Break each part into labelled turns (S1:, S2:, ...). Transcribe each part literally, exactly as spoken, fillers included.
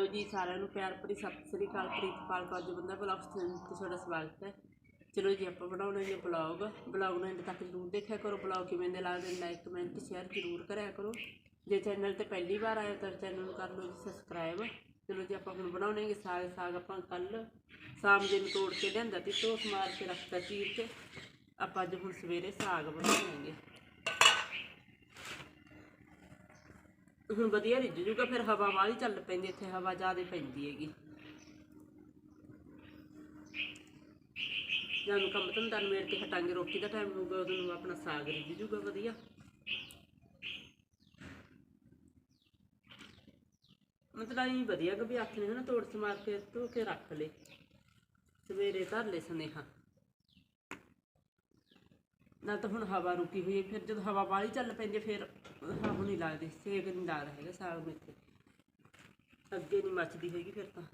S1: जी सारिਆਂ ਨੂੰ प्यार भरी सत श्री अकाल। प्रीतपाल कौर जी बंदा ब्लॉग ते ਤੁਹਾਡਾ ਸਵਾਗਤ है। चलो जी आप बनाने ने ब्लॉग ब्लॉग ਨੂੰ एंड तक जरूर देखा करो। ब्लॉग किवें दे लगदे लाइक कमेंट शेयर जरूर कराया करो। जे चैनल ते पहली बार आए तो चैनल ਨੂੰ कर लो जी सबसक्राइब। चलो जी आप ਹੁਣ ਬਣਾਉਣਗੇ साग साग ਆਪਾਂ ਕੱਲ शाम जे ਨੂੰ ਤੋੜ ਕੇ ਲਿਆਂਦਾ ਤੇ ਧੋ ਸਮਾਰ ਕੇ ਰੱਖਤਾ ਚੀਰ ਕੇ। ਆਪਾਂ ਅੱਜ ਹੁਣ ਸਵੇਰੇ ਸਾਗ ਬਣਾਵਾਂਗੇ। ਹੁਣ ਵਧੀਆ ਰਿੱਝ ਜੂਗਾ ਫਿਰ ਹਵਾ ਵਾਲੀ ਚੱਲ ਪੈਂਦੀ ਇੱਥੇ ਹਵਾ ਜ਼ਿਆਦਾ ਪੈਂਦੀ ਹੈਗੀ। ਜਦੋਂ ਕੰਮ ਧੰਦਾ ਨਿਬੇੜ ਕੇ ਹਟਾਂਗੇ ਰੋਟੀ ਦਾ ਟਾਈਮ ਹੋਊਗਾ ਉਦੋਂ ਨੂੰ ਆਪਣਾ ਸਾਗ ਰਿੱਝ ਜੂਗਾ ਵਧੀਆ। ਮਤਲਬ ਇਹ ਵਧੀਆ ਕਿ ਵੀ ਹੱਥ ਨੇ ਨਾ ਤੋੜ ਸਮਾਰ ਕੇ ਧੋ ਕੇ ਰੱਖ ਲਏ ਸਵੇਰੇ ਧਰ ਲਏ ਸੁਨੇਹਾ ਨਾ। ਤਾਂ ਹੁਣ ਹਵਾ ਰੁਕੀ ਹੋਈ ਫਿਰ ਜਦੋਂ ਹਵਾ ਵਾਲੀ ਚੱਲ ਪੈਂਦੀ ਫਿਰ ਹਵਾ ਨਹੀਂ ਲੱਗਦੀ ਸੇਕ ਨਹੀਂ ਲੱਗਦਾ ਹੈਗਾ ਸਾਗ ਨੂੰ ਇੱਥੇ ਅੱਗੇ ਨਹੀਂ ਮੱਚਦੀ ਹੈਗੀ ਫਿਰ ਤਾਂ।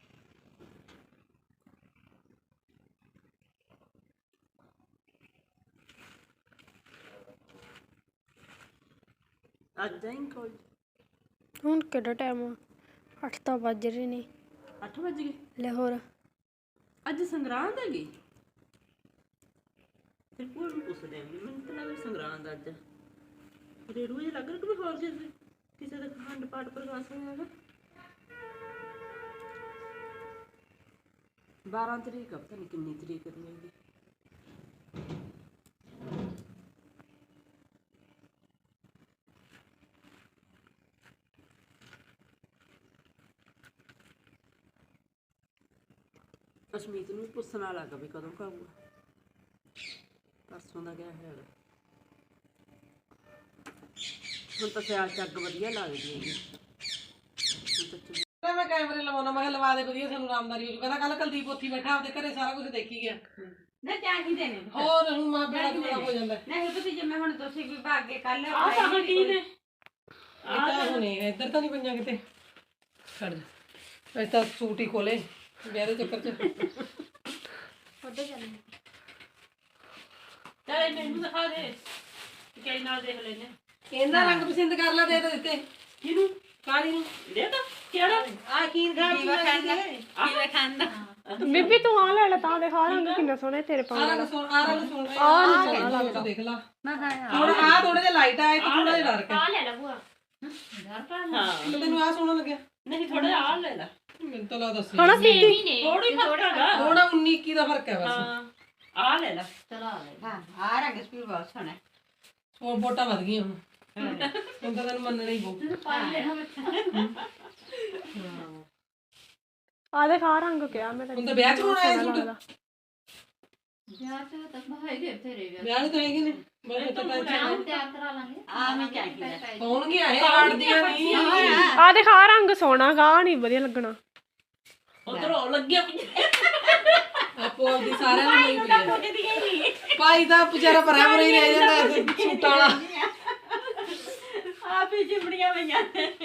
S1: ਅੱਜ ਜਾਈਂ ਕੋਲ
S2: ਹੁਣ ਕਿਹੜਾ ਟਾਈਮ ਆ? ਅੱਠ ਤਾਂ ਵੱਜ ਰਹੇ ਨੇ।
S1: ਅੱਠ ਵੱਜ ਗਏ
S2: ਲੈ ਹੋਰ
S1: ਅੱਜ ਸੰਗਰਾਂਦ ਹੈਗੀ। ਫਿਰ ਭੂਆ ਨੂੰ ਪੁੱਛਦੇ ਆਂ ਮੈਨੂੰ ਤਾਂ ਲੱਗਦਾ ਸੰਗਰਾਂਦ ਅੱਜ ਰੇੜੂ ਜਿਹਾ ਲੱਗ ਰਿਹਾ ਕਿ ਹੋਰ ਕਿਸੇ ਕਿਸੇ ਦਾ ਖੰਡ ਪਾਠ ਪ੍ਰਕਾਸ਼ ਹੋਇਆ ਹੈਗਾ। ਬਾਰਾਂ ਤਰੀਕ ਆ ਪਤਾ ਨਹੀਂ ਕਿੰਨੀ ਤਰੀਕ ਦੀ ਹੈਗੀ। ਅਸ਼ਮੀਤ ਨੂੰ ਪੁੱਛਣਾ ਲੱਗਾ ਵੀ ਕਦੋਂ ਖਾਊਗਾ। परसों का क्या है हम तो सियाल चग वधिया लगदी है। मैं कैमरे लवाना मैं लवा दे वधिया सानू आरामदारी हो जू। कहंदा कल कुलदीप उत्थे बैठा आपदे घरे सारा कुछ देखी गया
S3: ना चाहिए ने
S1: और हुण मां बेड़ा बड़ा हो जांदा
S3: नहीं पता जे मैं हुण तुसी भी भाग के कल
S1: आ साग की ने आ तो हुणे इधर तो नहीं पंजा किते खड़ जा ऐसा सूट ही खोले ब्याह दे चक्कर च
S2: ਉੱਧਰ ਚੱਲ।
S1: चल मैनू दिखा दे कई नाल देख लेने केंदा रंग पसंद कर ला दे तो दिते किनु काली नु दे तो केड़ा आ कीन खा
S3: कीवा खांदा कीवा खांदा
S2: ਬੀਬੀ ਤੂੰ ਆ ਲੈ ਲੈ ਤਾਂ ਦਿਖਾ ਰੰਗ ਕਿੰਨਾ ਸੋਹਣਾ ਤੇਰੇ ਪਾ
S1: आ रंग सुन आ रंग सुन आ नहीं सोना लगदा देख ला
S3: मैं हां
S1: थोड़ा आ थोड़ा जे लाइट आए तो थोड़ा जे डार्क है
S3: आ ले ला बुआ डर पा
S1: हां तो तेनु आ सोना लगे नहीं थोड़ा आ ले ला मैं तो ला दस
S2: ਹਣਾ ਬੀਬੀ
S1: थोड़ी फर्क है थोड़ा उन्नीस इक्कीस ਦਾ फर्क है बस हां आ ले ला
S3: चला ले हां आ रंग स्पीड बहुत सोना
S1: और वोटा वध गई हुन हुन तो तैਨੂੰ ਮੰਨਣਾ ਹੀ ਪਊ
S3: पा ले हम
S2: ਆ ਦਿਖਾ ਰੰਗ ਕਿਹਾ ਮੈਂ
S1: ਹੁਣ ਤਾਂ ਵਿਆਹ ਚ ਹੋਣਾ ਹੈ ਸੂਟ
S3: यार तो तक भाई दे तेरे
S1: ਵਿਆਹ ਤਾਂ ਹੈਗੇ ਨੇ ਬਸ ਤਾਂ
S3: हम तैयार करा लांगे आ मैं चाहिए
S1: ਕੌਣ ਗਿਆ ਇਹ ਆੜਦੀਆਂ ਨਹੀਂ
S2: ਆ ਦਿਖਾ ਰੰਗ ਸੋਹਣਾ ਗਾ ਨਹੀਂ ਵਧੀਆ ਲੱਗਣਾ।
S1: ਉਧਰ ਹੋ ਲੱਗਿਆ ਆਪੋ ਆਪਦੀ ਸਾਰਿਆਂ ਨੂੰ ਨਹੀਂ ਪਈ ਭਾਈ ਦਾ ਵਿਚਾਰਾ ਭਰਿਆ ਭਰਿਆ ਹੀ ਰਹਿ ਜਾਂਦਾ ਐ ਸੂਟਾਂ ਵਾਲਾ
S3: ਆ ਵੀ ਜਿਮੜੀਆਂ ਪਈਆਂ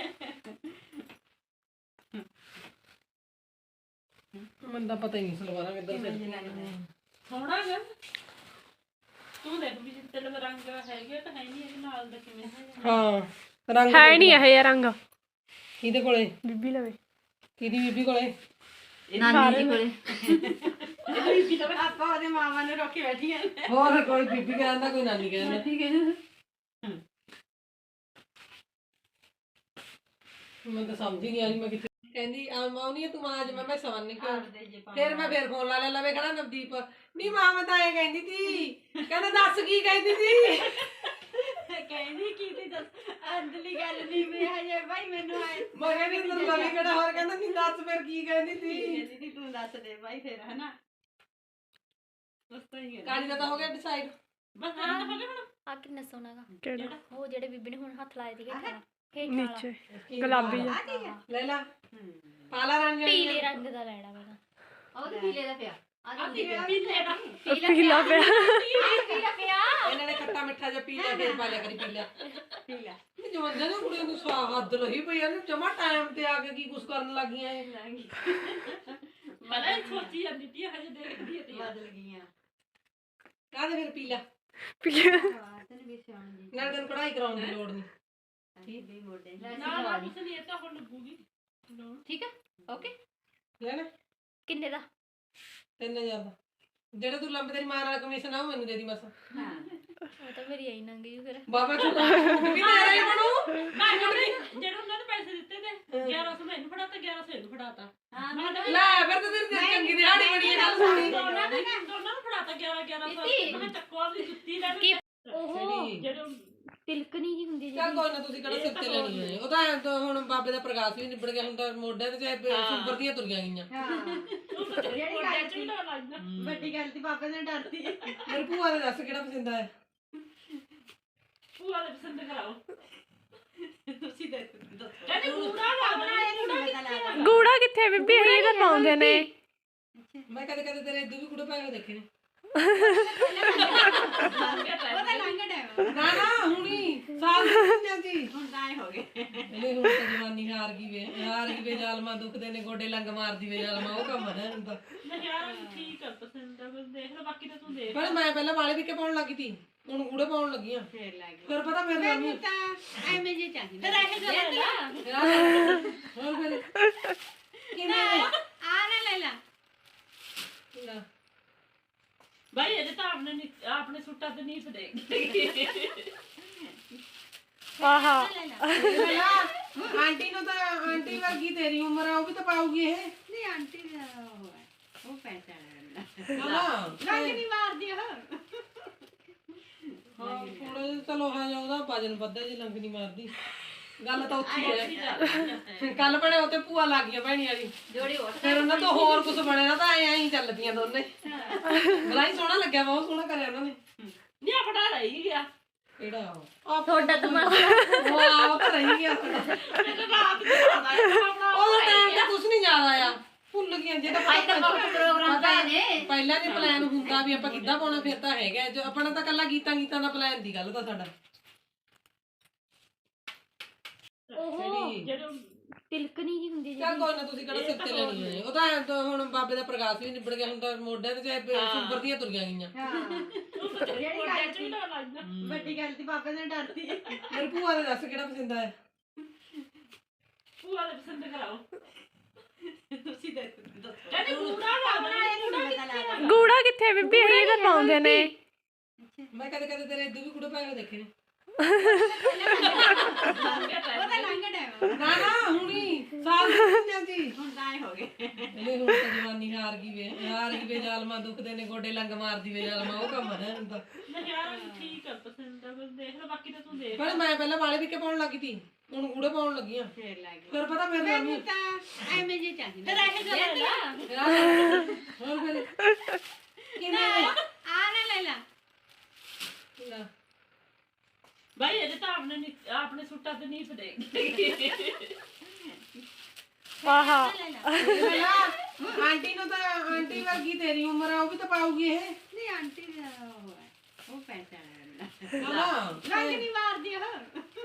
S1: ਮੈਨੂੰ ਤਾਂ ਪਤਾ ਹੀ ਨਹੀਂ ਸਲਵਾਰਾਂ ਕਿੱਧਰ ਸੇ ਸੋਹਣਾ ਗਾ ਤੂੰ ਦੇਖ ਵੀ ਜਿੱਤੇ ਲਵ ਰੰਗ ਹੈਗੇ ਤਾਂ ਹੈ ਨਹੀਂ ਇਹਦੇ ਨਾਲ ਦਾ ਕਿਵੇਂ ਹਾਂ ਰੰਗ
S2: ਹੈ ਨਹੀਂ ਇਹ ਰੰਗ
S1: ਕਿਹਦੇ ਕੋਲੇ
S2: ਬੀਬੀ ਲਵੇ
S1: ਕਿਹਦੀ ਬੀਬੀ ਕੋਲੇ
S3: ਨਾਨੀ ਜੀ ਕੋਲੇ ਬੀਬੀ ਤਾਂ ਆਪਾਂ ਉਹਦੇ ਮਾਮਾ ਨੇ ਰੋਕੇ ਬੈਠੀਆਂ
S1: ਹੋਰ ਕੋਈ ਬੀਬੀ ਕਹਿੰਦਾ ਕੋਈ ਨਾਨੀ ਕਹਿੰਦਾ
S3: ਠੀਕ ਹੈ
S1: ਮੈਂ ਤਾਂ ਸਮਝ ਹੀ ਨਹੀਂ ਆ ਰਹੀ ਮੈਂ ਕਿੱਥੇ ਕਹਿੰਦੀ ਆ ਮਾਉਣੀ ਤੂੰ ਆਜ ਮੈਂ ਮੈਂ ਸਵਨ ਨਹੀਂ ਕਿਉਂ ਫਿਰ ਮੈਂ ਫਿਰ ਫੋਨ ਲਾ ਲੈ ਲਵੇ ਕਹਿੰਦਾ ਨਵਦੀਪ ਨਹੀਂ ਮਾਂ ਮੈਂ ਤਾਂ ਇਹ ਕਹਿੰਦੀ ਸੀ ਕਹਿੰਦਾ ਦੱਸ ਕੀ ਕਹਿੰਦੀ ਸੀ
S3: ਕਹਿੰਦੀ ਕੀ ਤੇ ਦੱਸ ਅੰਦਲੀ ਗੱਲ ਨਹੀਂ ਵੀ ਹਜੇ ਭਾਈ ਮੈਨੂੰ ਆਏ
S1: ਮੈਂ ਕਹਿੰਦੀ ਤੂੰ ਲਵੀ ਕਿਹੜਾ ਹੋਰ ਕਹਿੰਦਾ ਨਹੀਂ ਦੱਸ ਫਿਰ ਕੀ ਕਹਿੰਦੀ ਸੀ
S3: ਕਹਿੰਦੀ ਤੂੰ ਦੱਸ ਦੇ ਭਾਈ ਫਿਰ ਹਨਾ ਉਸਤਾਂ ਹੀ
S1: ਕਾਲੀ ਦਾ ਤਾਂ ਹੋ ਗਿਆ ਡਿਸਾਈਡ ਬਸ ਹਾਂ ਹੋ ਗਿਆ ਹੁਣ
S2: ਆ ਕਿੰਨਾ ਸੋਹਣਾ ਗਾ ਕਿਹੜਾ ਉਹ ਜਿਹੜੇ ਬੀਬੀ ਨੇ ਹੁਣ ਹੱਥ ਲਾਏ ਸੀਗੇ ਹੇਠ ਨੀਚੇ ਗੁਲਾਬੀ ਜਿਹਾ
S1: ਲੈ ਲਾ ਪਾਲਾ ਰੰਗ
S2: ਪੀਲੇ ਰੰਗ ਦਾ ਲੈਣਾ ਮੈਂ
S3: ਉਹਦੇ ਪੀਲੇ ਦਾ ਪਿਆ ਆ
S1: ਪੀਲੇ ਦਾ
S2: ਪੀਲਾ ਪਿਆ
S3: ਪੀਲਾ ਪਿਆ
S1: ਇਹਨਾਂ ਨੇ ਖੱਟਾ ਮਿੱਠਾ ਜਿਹਾ ਪੀ ਲਿਆ ਫਿਰ ਪਾ ਲਿਆ ਕਰੀ ਪੀਲਾ
S3: ਪੀਲਾ
S1: ਇਹ ਜਵਾਨਾਂ ਨੂੰ ਕੁੜੀਆਂ ਨੂੰ ਸਵਾਦ ਰਹੀ ਪਈ ਇਹਨੂੰ ਜਮਾ ਟਾਈਮ ਤੇ ਆ ਕੇ ਕੀ ਕੁਛ ਕਰਨ ਲੱਗੀਆਂ ਇਹ ਮੈਂ ਸੋਚੀ ਜਾਂਦੀ ਤੀ ਹਜੇ ਦੇਖਦੀ ਤੇ
S3: ਬਦਲ ਗਈਆਂ
S1: ਕਾਹਦੇ ਫਿਰ ਪੀਲਾ
S2: ਪੀਲਾ
S3: ਤੈਨੂੰ ਵੀ ਸਿਆਣ ਜੀ
S1: ਨਾਲ ਤੈਨੂੰ ਕਢਾਈ ਕਰਾਉਣ ਦੀ ਲੋੜ ਨਹੀਂ
S3: ਠੀਕ ਵੀ ਮੋਢੇ
S1: ਨਾ ਨਾ ਕੁਛ ਨਹੀਂ ਇਹ ਤਾਂ ਹੁਣ ਲੱਗੂਗੀ
S3: ਠੀਕ ਹੈ ਓਕੇ
S4: ਲੈਣਾ
S2: ਕਿੰਨੇ ਦਾ?
S4: ਤਿੰਨ ਹਜ਼ਾਰ ਦਾ। ਜਿਹੜਾ ਤੂੰ ਲੰਬੇ ਤੇਰੀ ਮਾਂ ਨਾਲ ਕਮਿਸ਼ਨ ਆ ਉਹ ਮੈਨੂੰ ਦੇ ਦੀ ਬਸ।
S3: ਹਾਂ
S2: ਉਹ ਤਾਂ ਮੇਰੀ ਆਈ ਨੰਗੀ ਜੂ ਫਿਰ।
S4: ਬਾਬਾ ਤੂੰ ਵੀ ਤੇਰਾ ਹੀ ਬਣੂ।
S5: ਜਿਹੜੇ ਉਹਨਾਂ ਨੇ ਪੈਸੇ ਦਿੱਤੇ ਤੇ ਗਿਆਰਾਂ ਸੌ ਮੈਨੂੰ ਫੜਾਤਾ ਗਿਆਰਾਂ ਸੌ ਇਹਨੂੰ ਫੜਾਤਾ
S3: ਹਾਂ
S5: ਮੈਂ ਤਾਂ
S4: ਲੈ ਫਿਰ ਤਾਂ ਤੇਰੀ ਚੰਗੀ ਦਿਹਾੜੀ ਬਣੀ ਹੈ ਗੱਲ ਸੁਣੀ।
S5: ਦੋਨਾਂ ਨੇ ਦੋਨਾਂ ਨੂੰ ਫੜਾਤਾ ਗਿਆਰਾਂ ਗਿਆਰਾਂ ਸੌ ਮੈਂ ਚੱਕੋ ਆਪਣੀ ਜੁੱਤੀ ਲੈ
S2: ਕੀ
S5: ਉਹ
S4: ਜਿਹੜੀ
S5: ਜਿਹੜੇ
S2: ਤਿਲਕਣੀ ਜੀ ਹੁੰਦੀ
S4: ਚੱਲ ਕੋਈ ਨਾ ਤੁਸੀਂ ਕਿਹੜਾ ਸਿਰ ਤੇ ਲੈਣੀ ਹੈ। ਉਹ ਤਾਂ ਐਂ ਤਾਂ ਹੁਣ ਬਾਬੇ ਦਾ ਪ੍ਰਕਾਸ਼ ਵੀ ਨਿਬੜ ਗਿਆ ਹੁਣ ਤਾਂ ਮੋਢਿਆਂ ਤੇ ਚਾਹੇ ਸੁੰਬਰ ਦੀਆਂ ਤੁਰੀਆਂ ਗਈਆਂ।
S3: ਹਾਂ ਜਿਹੜੀ
S5: ਕੋਟਿਆਂ
S3: ਗੱਲ
S5: ਚ ਵੀ
S3: ਸੀ
S5: ਤਾਂ ਲੱਗਦਾ
S3: ਵੱਡੀ ਗੱਲ ਦੀ ਬਾਬੇ ਨੇ ਡਰਦੀ ਹੈ
S4: ਮੇਰੀ ਭੂਆ ਦੇ ਦੱਸ ਕਿਹੜਾ ਪਸੰਦ ਆਇਆ।
S5: ਭੂਆ ਦੇ ਪਸੰਦ ਕਰਾਓ
S3: ਤੁਸੀਂ ਦੱਸੋ
S5: ਕਹਿੰਦੇ ਕੂੜਾ ਲਾਉਣਾ ਇਹ
S3: ਪਤਾ
S5: ਕੂੜਾ
S3: ਲੱਗਦਾ
S2: ਗੂੜਾ ਕਿੱਥੇ ਬੀਬੀ ਇਹ ਤਾਂ ਪਾਉਂਦੇ ਨੇ।
S4: ਮੈਂ ਕਦੇ ਕਦੇ ਤੇਰੇ ਇਦੋਂ ਵੀ ਕੁੜੇ ਪਾ ਕੇ ਦੇਖੇ ਨੇ।
S3: ਉਹਦਾ ਲੰਘ ਟਾਈਮ
S4: ਨਾ ਨਾ ਹੁਣੀ ਸਾਲ ਨਹੀਂ ਜਾਂਦੀ।
S3: ਹੁਣ ਤਾਂ ਐ ਹੋ ਗਏ
S4: ਇਹਨੇ ਹੁਣ ਤਾਂ ਜਵਾਨੀ ਹਾਰ ਗਈ ਵੇ ਹਾਰ ਗਈ ਵੇ ਜ਼ਾਲਮਾ ਦੁਖਦੇ ਨੇ ਗੋਡੇ ਲੰਗ ਮਾਰਦੀ ਵੇ ਜ਼ਾਲਮਾ ਉਹ ਕੰਮ ਹੈ ਹੁੰਦਾ।
S5: ਮੈਂ ਯਾਰ ਠੀਕ ਆ ਪਸੰਦ ਆ ਬਸ ਦੇਖ ਲੈ ਬਾਕੀ ਤਾਂ ਤੂੰ ਦੇਖ
S4: ਪਰ ਮੈਂ ਪਹਿਲਾਂ ਵਾਲੇ ਵੀ ਕੇ ਪਾਉਣ ਲੱਗੀ ਤੀ ਹੁਣ ਗੂੜੇ ਪਾਉਣ ਲੱਗੀ ਆ।
S3: ਫੇਰ ਲੱਗ ਗਏ
S4: ਫਿਰ ਪਤਾ ਮੇਰੇ ਨਾਲ
S3: ਮੈਨੂੰ ਤਾਂ ਐਵੇਂ ਜੇ ਚਾਹੀਦਾ
S5: ਫਿਰ ਇਹ ਗੱਲ ਲੈ
S4: ਹੋਰ ਫਿਰ ਕਿਵੇਂ
S3: ਆ ਨਾ ਲੈ ਲਾ
S4: ਲੈ
S5: ਭਾਈ ਇਹਦੇ ਤਾਂ ਆਪਣੇ ਨੀ- ਆਪਣੇ ਸੁੱਟਾਂ ਤੇ ਨਹੀਂ ਫੜੇਗੀ
S2: ਆਹਾ
S3: ਲੈ ਲਾ
S4: ਪਹਿਲਾਂ ਆਂਟੀ ਨੂੰ ਤਾਂ ਆਂਟੀ ਵਰਗੀ ਤੇਰੀ ਉਮਰ ਆ ਉਹ ਵੀ ਤਾਂ ਪਾਉਗੀ ਇਹ।
S3: ਨਹੀਂ ਆਂਟੀ ਦਾ ਉਹ ਹੈ ਉਹ ਪੈਸਾ ਲੈਂਦਾ
S4: ਹਾਂ
S3: ਲੰਘ ਨਹੀਂ ਮਾਰਦੀ ਉਹ
S4: ਹਾਂ ਥੋੜਾ ਜਿਹਾ ਚਲੋ ਹਾਂ ਜਾ ਉਹਦਾ ਵਜਨ ਵੱਧਾ ਜੇ ਲੰਗ ਨਹੀਂ ਮਾਰਦੀ। ਗੱਲ ਤਾਂ ਉੱਥੇ ਹੀ ਹੈ। ਕੱਲ ਬਣੇ ਉੱਤੇ ਭੂਆ ਲੱਗ ਗਿਆ ਭੈਣੀ ਵਾਲੀ
S3: ਜੋੜੀ ਹੋਰ
S4: ਫਿਰ ਉਹਨਾਂ ਤੋਂ ਹੋਰ ਕੁਝ ਬਣੇ ਨਾ ਤਾਂ ਐਂ ਐਂ ਹੀ ਚੱਲਦੀਆਂ ਦੋਨੇ। ਬਲਾਈ ਸੋਹਣਾ ਲੱਗਿਆ ਬਹੁਤ ਸੋਹਣਾ ਕਰਿਆ ਉਹਨਾਂ ਨੇ।
S5: ਨਹੀਂ ਫੜਾ ਰਹੀ ਗਿਆ
S4: ਕਿਹੜਾ ਉਹ
S2: ਤੁਹਾਡਾ ਦਿਮਾਗ
S4: ਉਹ ਆ ਉਹ ਤਾਂ ਰਹੀ ਗਿਆ ਸਾਡਾ।
S5: ਮੈਨੂੰ ਰਾਤ ਨੂੰ ਪਤਾ ਹੈ ਆਪਣਾ
S4: ਉਹਦਾ ਟਾਈਮ ਤੇ ਕੁਝ ਨਹੀਂ ਯਾਦ ਆਇਆ ਭੁੱਲ ਗਈਆਂ ਜੇ ਤਾਂ
S3: ਅੱਜ ਤਾਂ ਬਹੁਤ ਪ੍ਰੋਗਰਾਮ ਪਏ ਨੇ
S4: ਪਹਿਲਾਂ ਜੇ ਪਲਾਨ ਹੁੰਦਾ ਵੀ ਆਪਾਂ ਕਿੱਦਾਂ ਪਾਉਣਾ ਫਿਰ ਤਾਂ ਹੈਗਾ ਜੋ ਆਪਣਾ ਤਾਂ ਕੱਲਾ ਗੀਤਾਂ ਗੀਤਾਂ ਦਾ ਪਲਾਨ ਦੀ ਗੱਲ ਤਾਂ ਸਾਡਾ।
S2: ਉਹ
S5: ਜਿਹੜੇ
S2: ਤਿਲਕਣੀ ਜੀ ਹੁੰਦੀ
S4: ਚੱਲ ਕੋਈ ਨਾ ਤੁਸੀਂ ਕਿਹੜਾ ਸਿਰ ਤੇ ਲੈਣੀ ਹੈ। ਉਹ ਤਾਂ ਐਂ ਤਾਂ ਹੁਣ ਬਾਬੇ ਦਾ ਪ੍ਰਕਾਸ਼ ਵੀ ਨਿਬੜ ਗਿਆ ਹੁਣ ਤਾਂ ਮੋਢਿਆਂ ਤੇ ਚਾਹੇ ਸੁੰਬਰ ਦੀਆਂ ਤੁਰੀਆਂ ਗਈਆਂ।
S3: ਹਾਂ ਜਿਹੜੀ
S5: ਕੋਟਿਆਂ
S3: ਗੱਲ
S5: ਚ ਵੀ
S3: ਸੀ
S5: ਤਾਂ ਲੱਗਦਾ
S3: ਵੱਡੀ ਗੱਲ ਦੀ ਬਾਬੇ ਨੇ ਡਰਦੀ ਹੈ
S4: ਮੇਰੀ ਭੂਆ ਦੇ ਦੱਸ ਕਿਹੜਾ ਪਸੰਦ ਆਇਆ।
S5: ਭੂਆ ਦੇ ਪਸੰਦ ਕਰਾਓ
S3: ਤੁਸੀਂ ਦੱਸੋ
S5: ਕਹਿੰਦੇ ਕੂੜਾ ਲਾਉਣਾ ਇਹ ਕੂੜਾ
S3: ਪਤਾ ਲੱਗਦਾ
S2: ਗੂੜਾ ਕਿੱਥੇ ਬੀਬੀ ਇਹ ਤਾਂ ਪਾਉਂਦੇ ਨੇ।
S4: ਮੈਂ ਕਦੇ ਕਦੇ ਤੇਰੇ ਇਦੋਂ ਵੀ ਕੁੜੇ ਪਾ ਕੇ ਦੇਖੇ ਨੇ।
S3: ਉਹਦਾ ਲੰਘ ਟਾਈਮ
S4: ਨਾ ਨਾ ਹੁਣੀ ਸਾਲ ਨਹੀਂ ਜਾਂਦੀ।
S3: ਹੁਣ ਤਾਂ ਐ ਹੋ ਗਏ
S4: ਇਹਨੇ ਹੁਣ ਤਾਂ ਜਵਾਨੀ ਹਾਰ ਗਈ ਵੇ ਹਾਰ ਗਈ ਵੇ ਜ਼ਾਲਮਾ ਦੁਖਦੇ ਨੇ ਗੋਡੇ ਲੰਗ ਮਾਰਦੀ ਵੇ ਜ਼ਾਲਮਾ ਉਹ ਕੰਮ ਹੈ ਹੁੰਦਾ।
S5: ਮੈਂ ਯਾਰ ਠੀਕ ਆ ਪਸੰਦ ਆ ਬਸ ਦੇਖ ਲੈ ਬਾਕੀ ਤਾਂ ਤੂੰ ਦੇਖ
S4: ਪਰ ਮੈਂ ਪਹਿਲਾਂ ਵਾਲੇ ਵੀ ਕੇ ਪਾਉਣ ਲੱਗੀ ਤੀ ਹੁਣ ਗੂੜੇ ਪਾਉਣ ਲੱਗੀ ਆ।
S3: ਫੇਰ ਲੱਗ ਗਏ
S4: ਫਿਰ ਪਤਾ ਮੇਰੇ ਨਾਲ
S3: ਮੈਨੂੰ ਤਾਂ ਐਵੇਂ ਜੇ ਚਾਹੀਦਾ
S5: ਫਿਰ ਇਹ ਗੱਲ ਲੈ
S4: ਹੋਰ ਫਿਰ ਕਿਵੇਂ
S3: ਆ ਨਾ ਲੈ ਲਾ
S4: ਲੈ
S5: ਭਾਈ ਇਹਦੇ ਤਾਂ ਆਪਣੇ ਨੀ- ਆਪਣੇ ਸੁੱਟਾਂ ਤੇ ਨਹੀਂ ਫੜੇਗੀ
S2: ਆਹਾ
S3: ਲੈ ਲਾ
S4: ਆਂਟੀ ਨੂੰ ਤਾਂ ਆਂਟੀ ਵਰਗੀ ਤੇਰੀ ਉਮਰ ਆ ਉਹ ਵੀ ਤਾਂ ਪਾਉਗੀ ਇਹ।
S3: ਨਹੀਂ ਆਂਟੀ ਦਾ ਉਹ ਹੈ ਉਹ ਪੈਸਾ ਲੈਂਦਾ
S4: ਹਾਂ
S3: ਲੰਘ ਨਹੀਂ ਮਾਰਦੀ ਉਹ
S4: ਹਾਂ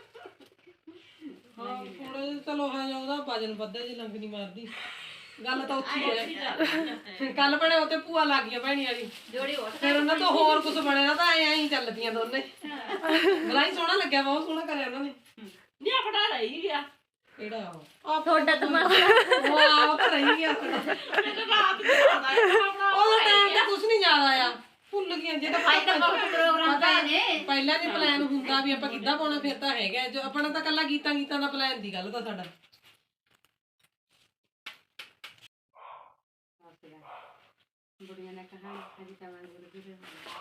S4: ਥੋੜਾ ਜਿਹਾ ਚਲੋ ਹਾਂ ਜਾ ਉਹਦਾ ਵਜਨ ਵੱਧਾ ਜੇ ਲੰਗ ਨਹੀਂ ਮਾਰਦੀ। ਗੱਲ ਤਾਂ ਉੱਥੇ ਹੀ ਹੈ। ਕੱਲ ਬਣੇ ਉੱਤੇ ਭੂਆ ਲੱਗ ਗਿਆ ਭੈਣੀ ਵਾਲੀ
S3: ਜੋੜੀ ਹੋਰ
S4: ਫਿਰ ਉਹਨਾਂ ਤੋਂ ਹੋਰ ਕੁਝ ਬਣੇ ਨਾ ਤਾਂ ਐਂ ਐਂ ਹੀ ਚੱਲਦੀਆਂ ਦੋਨੇ। ਬਲਾਈ ਸੋਹਣਾ ਲੱਗਿਆ ਬਹੁਤ ਸੋਹਣਾ ਕਰਿਆ ਉਹਨਾਂ ਨੇ।
S5: ਨਹੀਂ ਫੜਾ ਰਹੀ ਗਿਆ
S4: ਕਿਹੜਾ ਉਹ
S2: ਤੁਹਾਡਾ ਦਿਮਾਗ
S4: ਉਹ ਆ ਉਹ ਤਾਂ ਰਹੀ ਗਿਆ ਸਾਡਾ।
S5: ਮੈਨੂੰ ਰਾਤ ਨੂੰ ਪਤਾ ਹੈ ਆਪਣਾ
S4: ਉਹਦਾ ਟਾਈਮ ਤੇ ਕੁਝ ਨਹੀਂ ਯਾਦ ਆਇਆ ਭੁੱਲ ਗਈਆਂ ਜੇ ਤਾਂ
S3: ਅੱਜ ਤਾਂ ਬਹੁਤ ਪ੍ਰੋਗਰਾਮ ਪਏ ਨੇ
S4: ਪਹਿਲਾਂ ਜੇ ਪਲਾਨ ਹੁੰਦਾ ਵੀ ਆਪਾਂ ਕਿੱਦਾਂ ਪਾਉਣਾ ਫਿਰ ਤਾਂ ਹੈਗਾ ਜੋ ਆਪਣਾ ਤਾਂ ਕੱਲਾ ਗੀਤਾਂ ਗੀਤਾਂ ਦਾ ਪਲਾਨ ਦੀ ਗੱਲ ਤਾਂ ਸਾਡਾ।
S3: ਬੁੜੀਆਂ ਨੇ ਕਹਾ ਅਜੀ ਤਾਂ ਮੈਂ ਗੁਰੂ ਗੁਰੂ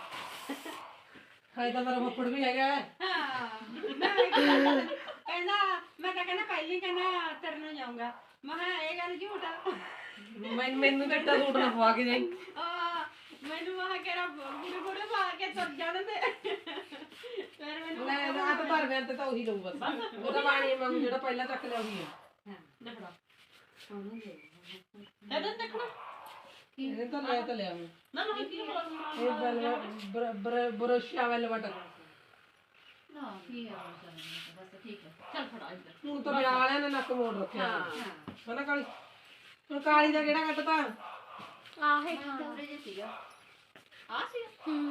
S4: ਹਾਏ ਤਾਂ ਮੇਰਾ ਫੱਫੜ ਵੀ ਹੈਗਾ।
S3: ਹਾਂ ਮੈਂ ਕਹਿੰਦਾ ਮੈਂ ਤਾਂ ਕਹਿੰਦਾ ਪਹਿਲੀ ਕਹਿੰਦਾ ਤੇਰੇ ਨਾਲ ਜਾਊਂਗਾ ਮੈਂ ਕਿਹਾ ਇਹ ਗੱਲ ਝੂਠ ਆ
S4: ਮੈਂ ਮੈਨੂੰ ਤਾਂ ਇੱਟਾ ਸੂਟ ਨਾ ਪਵਾ ਕੇ ਜਾਈ।
S3: ਆ ਮੈਨੂੰ ਮਹਾ ਕਿਹੜਾ ਗੁਰੂ ਗੁਰੂ ਪਾ ਕੇ ਤੁਰ ਜਾਣ ਦੇ ਫਿਰ ਮੈਨੂੰ
S4: ਲੈ ਆ ਤਾਂ ਧਰ ਗਿਆ ਤੇ ਤਾਂ ਉਹੀ ਲਊ ਬਸ ਉਹਦਾ ਪਾਣੀ ਮੰਗ ਜਿਹੜਾ ਪਹਿਲਾਂ ਚੱਕ ਲਿਆ ਉਹੀ ਹੈ।
S5: ਲੈ ਫੜਾ
S3: ਉਹਨੂੰ ਦੇ
S5: ਇਹਦੇ ਦੇਖਣਾ
S4: ਇਹ ਤਾਂ ਲੈ ਤਾਂ ਲਿਆ ਮੈਂ
S5: ਨਾ ਨਾ ਕੀ ਹੋਣਾ
S4: ਇਹ ਬਲ ਬਰ ਬਰੋਸ਼ਾ ਵਾਲ ਵਟ
S3: ਨਾ ਕੀ ਆ ਬਸ ਠੀਕ ਹੈ
S5: ਚੱਲ ਫੜਾ ਇੱਧਰ
S4: ਹੁਣ ਤਾਂ ਵਿਆਹ ਵਾਲਿਆਂ ਨੇ ਨੱਕ ਮੋੜ ਰੱਖਿਆ
S3: ਹਾਂ
S4: ਹਨਾ ਕਾਲੀ। ਹੁਣ ਕਾਲੀ ਦਾ ਕਿਹੜਾ ਕੱਟਤਾ
S2: ਆਹੇ
S3: ਥੋੜੇ ਜਿਹਾ ਸੀਗਾ ਆ ਸੀ
S2: ਹੂੰ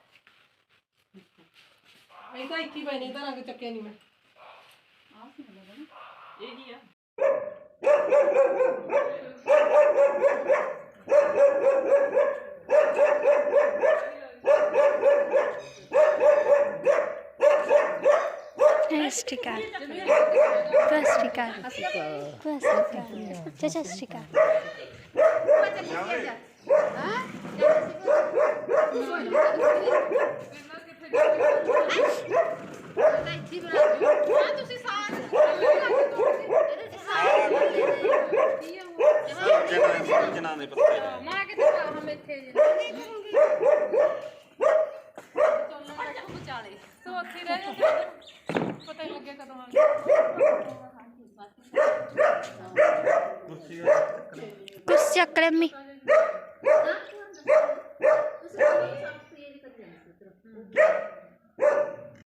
S4: ਇਹ ਤਾਂ ਇੱਥੇ ਹੀ ਪਏ ਨੇ ਤਾਂ ਰੰਗ ਚੱਕਿਆ ਨਹੀਂ ਮੈਂ।
S3: ਆ ਸੀ ਲੱਗਦਾ ਨਾ
S5: ਇਹ ਕੀ ਆ
S2: ਸਟਿਕਾਰ ਬਸ ਸਟਿਕਾਰ ਬਸ ਸਟਿਕਾਰ ਚਾਚਾ ਸਟਿਕਾਰ
S6: ਜਨਾਂ ਦੇ ਪੱਤੇ
S3: ਮਾਂ ਕਿਤੇ ਹਮ ਇੱਥੇ ਜੇ ਵਿਚਾਲੇ ਸੋ ਉੱਥੇ ਰਹਿ ਜਾਂਦੇ ਪਤਾ ਹੀ ਲੱਗਿਆ ਕਦੋਂ ਆ
S2: ਕੁਰਸੀ ਚੱਕ ਲੈ ਮੰਮੀ